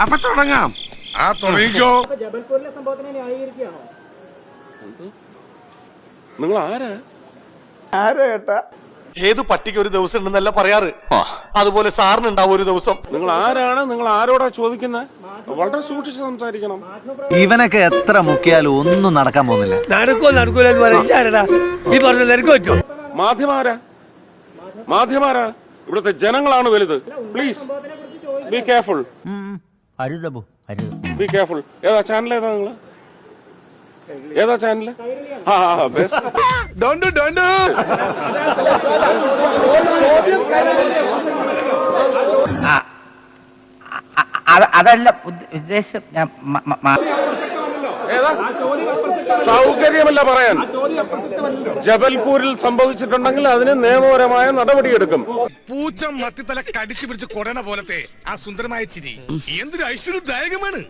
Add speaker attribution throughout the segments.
Speaker 1: അപ്പൊ തുടങ്ങാം. ആ തുടങ്ങിക്കോ.
Speaker 2: ജബൽപൂരിലെ സംഭവത്തിനെ ന്യായീകരിക്കുകയാണോ?
Speaker 3: നിങ്ങൾ ആരാ?
Speaker 4: ഏത് പട്ടിക്ക് ഒരു ദിവസം ഉണ്ടെന്നല്ല പറയാറ്, അതുപോലെ സാറിന് ഉണ്ടാവും ഒരു ദിവസം.
Speaker 3: നിങ്ങൾ ആരാണ്? നിങ്ങൾ ആരോടാ ചോദിക്കുന്നത്? വളരെ സൂക്ഷിച്ച് സംസാരിക്കണം.
Speaker 5: ഇവനൊക്കെ എത്ര മുക്കിയാലും ഒന്നും നടക്കാൻ പോകുന്നില്ല.
Speaker 3: മാധ്യമാരാ ഇവിടുത്തെ ജനങ്ങളാണ് വലുത്. Please be careful. Be careful. ഏതാ ചാനൽ? ഏതാ നിങ്ങള്? ഏതാ ചാനല്?
Speaker 6: അതല്ല ഉദ്ദേശം.
Speaker 3: സൗകര്യമല്ല പറയാൻ. ജബൽപൂരിൽ സംഭവിച്ചിട്ടുണ്ടെങ്കിൽ അതിന് നിയമപരമായ നടപടിയെടുക്കും.
Speaker 1: പൂച്ച മത്തിത്തല കടിച്ചു പിടിച്ച് കൊടന പോലത്തെ ആ സുന്ദരമായ ചിരി എന്തൊരു ഐശ്വര്യദായകമാണ്.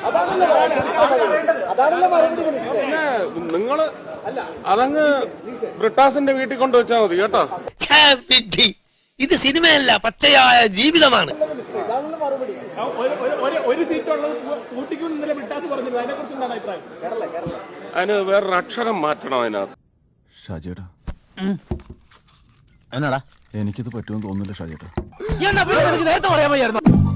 Speaker 3: പിന്നെ നിങ്ങള് അതങ്ങ് ബ്രിട്ടാസിന്റെ വീട്ടിൽ കൊണ്ടുവച്ചാൽ മതി കേട്ടോ.
Speaker 7: ഇത് സിനിമയല്ല, പച്ചയായ ജീവിതമാണ്.
Speaker 3: അതിന് വേറൊരു അക്ഷരം മാറ്റണം അതിനകത്ത്.
Speaker 8: ഷാജിയേട്ടാ,
Speaker 5: എന്നാടാ
Speaker 8: എനിക്കിത് പറ്റുമെന്ന് തോന്നുന്നില്ല ഷാജിയേട്ടാ.
Speaker 5: നേരത്തെ പറയാൻ